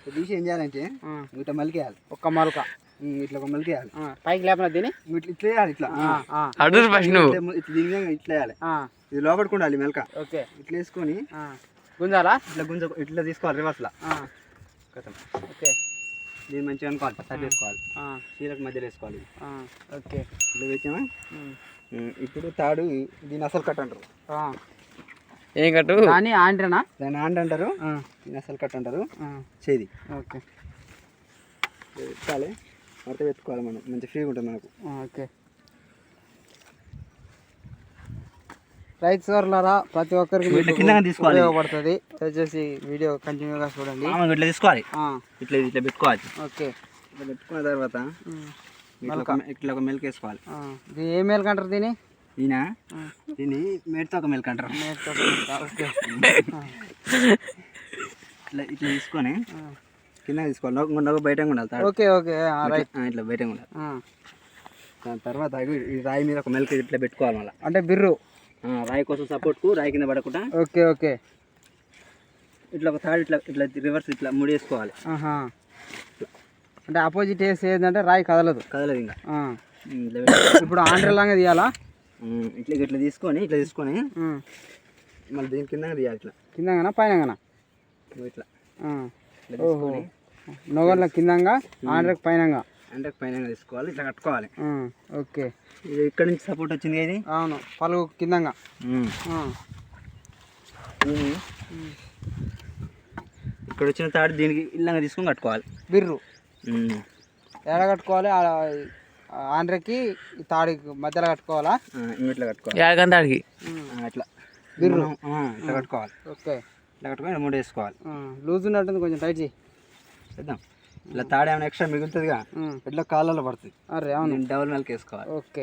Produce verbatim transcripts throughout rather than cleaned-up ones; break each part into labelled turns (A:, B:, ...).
A: తీసి ఏం చేయాలంటే ఇట్లా మలికేయాలి,
B: ఒక్క మరొక
A: ఇట్లా ఒక మలికేయాలి,
B: పైకి లేపన దీని
A: ఇట్లా ఇట్లా వేయాలి, ఇట్లా
C: అడుగు ఫస్ట్ నువ్వు
A: ఇట్లా దీని మీద ఇట్లా వేయాలి, ఇది లోపలికి ఉండాలి మెలక.
B: ఓకే,
A: ఇట్లా వేసుకొని
B: గుంజాలా,
A: ఇట్లా గుంజ ఇట్లా తీసుకోవాలి రివర్స్లా.
B: ఓకే,
A: దీన్ని మంచిగా అనుకోవాలి, సరి చేసుకోవాలి, చీలకు మధ్యలో వేసుకోవాలి.
B: ఓకే,
A: ఇట్లా వేసామా. ఇప్పుడు తాడు దీన్ని అసలు కట్ అంటారు.
C: ఏం కట్టు
B: దాన్ని ఆండ్రేనా,
A: దాన్ని ఆండ్ అంటారు, దీన్ని అసలు కట్ అంటారు. చేది
B: ఓకే
A: పెట్టాలి, మడత పెట్టుకోవాలి మనం, మంచి ఫ్రీగా ఉంటుంది మనకు.
B: ఓకే, రైతు సోర్లారా ప్రతి ఒక్కరికి
A: తీసుకోవాలి,
B: ఉపయోగపడుతుంది. దయచేసి వీడియో కంటిన్యూగా చూడండి.
A: ఇట్లా తీసుకోవాలి, ఇట్లా ఇట్లా పెట్టుకోవాలి.
B: ఓకే,
A: ఇట్లా పెట్టుకున్న తర్వాత ఇట్లా ఒక మెల్క్ వేసుకోవాలి.
B: దీని ఏ మెల్క్ అంటారు దీని?
A: ఈయన దీన్ని మేడితో ఒక మెల్క్ అంటారు.
B: ఓకే,
A: ఇట్లా ఇట్లా తీసుకొని కింద తీసుకోవాలి, నొక్క బయట ఉండాలి.
B: ఓకే ఓకే రైట్,
A: ఇట్లా బయట ఉండాలి. దాని తర్వాత ఈ రాయి మీద ఒక మెల్క్ ఇట్లా పెట్టుకోవాలి మళ్ళీ,
B: అంటే బిర్రు
A: రాయి కోసం సపోర్ట్కు, రాయి కింద పడకుండా.
B: ఓకే ఓకే,
A: ఇట్లా ఒక థర్డ్ ఇట్లా ఇట్లా రివర్స్ ఇట్లా ముడి వేసుకోవాలి.
B: అంటే ఆపోజిట్ వేసి ఏంటంటే రాయి కదలదు
A: కదలదు ఇంకా.
B: ఇప్పుడు ఆండ్రలాగా తీయాలా,
A: ఇట్లా ఇట్లా తీసుకొని ఇట్లా తీసుకొని మళ్ళీ దీని కింద తీయాలి. ఇట్లా
B: కిందగానా పైనగానా?
A: ఇట్లా
B: ఓహో, నొగర్ల కిందంగా ఆండ్రకు పైనంగా,
A: అంటే పైన తీసుకోవాలి, ఇట్లా కట్టుకోవాలి.
B: ఓకే,
A: ఇది ఇక్కడ నుంచి సపోర్ట్ వచ్చింది ఇది.
B: అవును, పలుగు కిందంగా.
A: ఇక్కడ వచ్చిన తాడు దీనికి ఇల్లంగా తీసుకొని కట్టుకోవాలి.
B: బిర్రు ఎలా కట్టుకోవాలి? ఆండ్రకి తాడికి మధ్యలో కట్టుకోవాలా?
A: ఇట్లా కట్టుకోవాలి,
C: తాడికి
A: అట్లా
B: బిర్రు
A: ఇట్లా కట్టుకోవాలి.
B: ఓకే,
A: ఇట్లా కట్టుకొని మూడు వేసుకోవాలి.
B: లూజ్ ఉన్నట్టుంది, కొంచెం టైట్ చేయి.
A: చేద్దాం. ఇట్లా తాడు ఏమైనా ఎక్స్ట్రా మిగులుతుందిగా, ఇట్లా కాళ్ళలో పడుతుంది.
B: అరే అవును,
A: డబుల్ మెల్క్ వేసుకోవాలి.
B: ఓకే,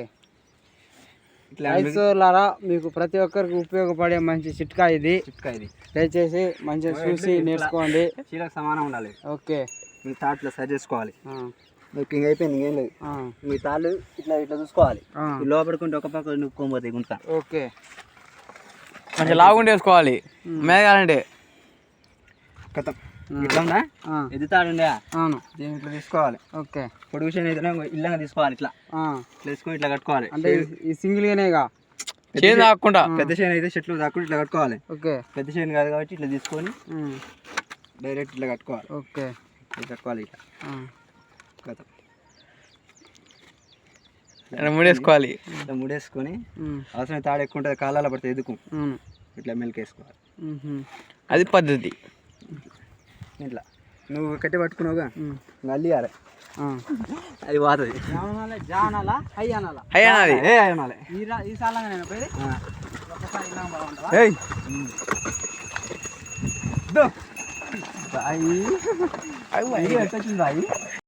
B: రైతులారా మీకు ప్రతి ఒక్కరికి ఉపయోగపడే మంచి చిట్కా ఇది.
A: చిట్కా ఇది
B: దయచేసి మంచిగా చూసి నేర్చుకోండి.
A: చీలకు సమానం ఉండాలి.
B: ఓకే,
A: మీ తాట్లు సరి చేసుకోవాలి. మీకు ఇంక అయిపోయింది, ఇంకేం లేదు. మీ తాళ్ళు ఇట్లా ఇట్లా చూసుకోవాలి, లోపడుకుంటే ఒక పక్క నుక్కోపోతాయి గుంట.
B: ఓకే,
C: మంచిగా లాగుండి వేసుకోవాలి మేఘాలంటే.
A: కథం ఇట్లా ఉందా, ఎది తాడు ఉందా?
B: అవును,
A: దీన్ని ఇట్లా తీసుకోవాలి.
B: ఓకే,
A: పొడి విషయం అయితే ఇల్లంగా తీసుకోవాలి. ఇట్లా ఇట్లా తీసుకొని ఇట్లా కట్టుకోవాలి.
B: అంటే ఈ సింగిల్ గానేగా,
C: చేను తాకుండా.
A: పెద్ద చేను అయితే చెట్లు తాకుండా ఇట్లా కట్టుకోవాలి.
B: ఓకే,
A: పెద్ద చేను కాదు కాబట్టి ఇట్లా తీసుకొని డైరెక్ట్ ఇట్లా కట్టుకోవాలి.
B: ఓకే,
A: ఇట్లా కట్టుకోవాలి. ఇట్లా కథం
C: ముడేసుకోవాలి.
A: ఇట్లా ముడేసుకొని అవసరం తాడు ఎక్కువ ఉంటుంది, కాలాల పడితే ఎదుకు ఇట్లా మెల్క్ వేసుకోవాలి.
C: అది పద్ధతి.
A: ఇట్లా నువ్వు కట్టి పట్టుకున్నావుగా, అల్లియాలి, అది పోతుంది.
B: జానాలా హై అనాలా?
C: హై అనాలి.
A: ఏ అనాలి.
B: ఈ సాలంగా నేను పోయి
A: ఒకసారి